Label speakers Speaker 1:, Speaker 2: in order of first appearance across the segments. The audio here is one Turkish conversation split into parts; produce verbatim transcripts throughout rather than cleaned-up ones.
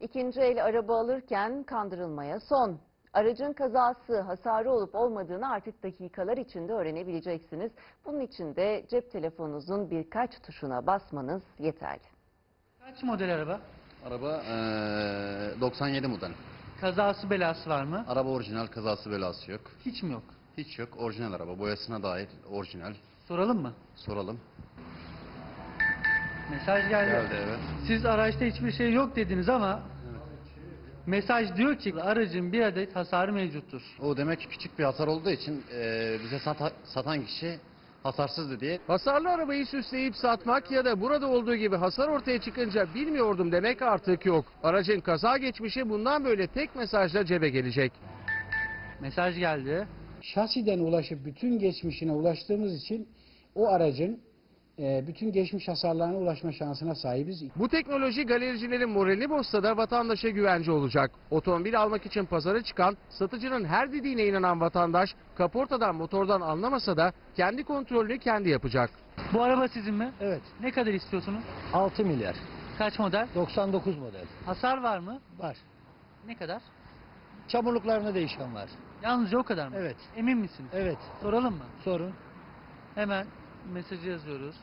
Speaker 1: İkinci el araba alırken kandırılmaya son. Aracın kazası, hasarı olup olmadığını artık dakikalar içinde öğrenebileceksiniz. Bunun için de cep telefonunuzun birkaç tuşuna basmanız yeterli.
Speaker 2: Kaç model araba?
Speaker 3: Araba eee, doksan yedi model.
Speaker 2: Kazası belası var mı?
Speaker 3: Araba orijinal, kazası belası yok.
Speaker 2: Hiç mi yok?
Speaker 3: Hiç yok. Orijinal araba. Boyasına dair orijinal.
Speaker 2: Soralım mı?
Speaker 3: Soralım.
Speaker 2: Mesaj geldi.
Speaker 3: Geldi, evet.
Speaker 2: Siz araçta hiçbir şey yok dediniz ama mesaj diyor ki aracın bir adet hasarı mevcuttur.
Speaker 3: O demek ki küçük bir hasar olduğu için eee, bize sata- satan kişi hasarsızdı diye.
Speaker 4: Hasarlı arabayı süsleyip satmak ya da burada olduğu gibi hasar ortaya çıkınca bilmiyordum demek artık yok. Aracın kaza geçmişi bundan böyle tek mesajla cebe gelecek.
Speaker 2: Mesaj geldi.
Speaker 5: Şasiden ulaşıp bütün geçmişine ulaştığımız için o aracın e, bütün geçmiş hasarlarına ulaşma şansına sahibiz.
Speaker 4: Bu teknoloji galericilerin moralini bozsa da vatandaşa güvence olacak. Otomobil almak için pazara çıkan, satıcının her dediğine inanan vatandaş kaportadan motordan anlamasa da kendi kontrolünü kendi yapacak.
Speaker 2: Bu araba sizin mi?
Speaker 5: Evet,
Speaker 2: Ne kadar istiyorsunuz?
Speaker 5: altı milyar,
Speaker 2: Kaç model?
Speaker 5: doksan dokuz model
Speaker 2: Hasar var mı?
Speaker 5: var.
Speaker 2: Ne kadar?
Speaker 5: Çamurluklarına değişen var.
Speaker 2: Yalnızca o kadar mı?
Speaker 5: Evet.
Speaker 2: Emin misiniz?
Speaker 5: Evet,
Speaker 2: Soralım mı?
Speaker 5: sorun.
Speaker 2: Hemen mesajı yazıyoruz.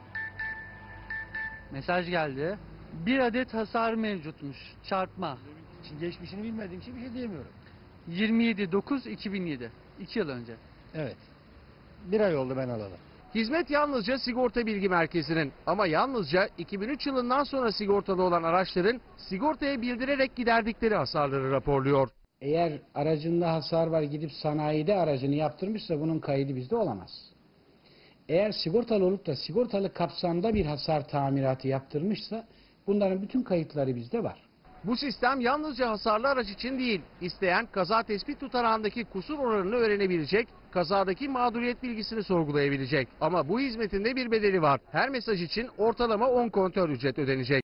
Speaker 2: Mesaj geldi. Bir adet hasar mevcutmuş. Çarpma.
Speaker 5: Şimdi geçmişini bilmediğim için bir şey diyemiyorum.
Speaker 2: yirmi yedi dokuz iki bin yedi. iki yıl önce.
Speaker 5: Evet, bir ay oldu ben alalı.
Speaker 4: Hizmet yalnızca sigorta bilgi merkezinin ama yalnızca iki bin üç yılından sonra sigortalı olan araçların sigortaya bildirerek giderdikleri hasarları raporluyor.
Speaker 5: Eğer aracında hasar var gidip sanayide aracını yaptırmışsa bunun kaydı bizde olamaz. Eğer sigortalı olup da sigortalı kapsamda bir hasar tamiratı yaptırmışsa bunların bütün kayıtları bizde var.
Speaker 4: Bu sistem yalnızca hasarlı araç için değil, isteyen kaza tespit tutanağındaki kusur oranını öğrenebilecek, kazadaki mağduriyet bilgisini sorgulayabilecek. Ama bu hizmetin de bir bedeli var. Her mesaj için ortalama on kontör ücret ödenecek.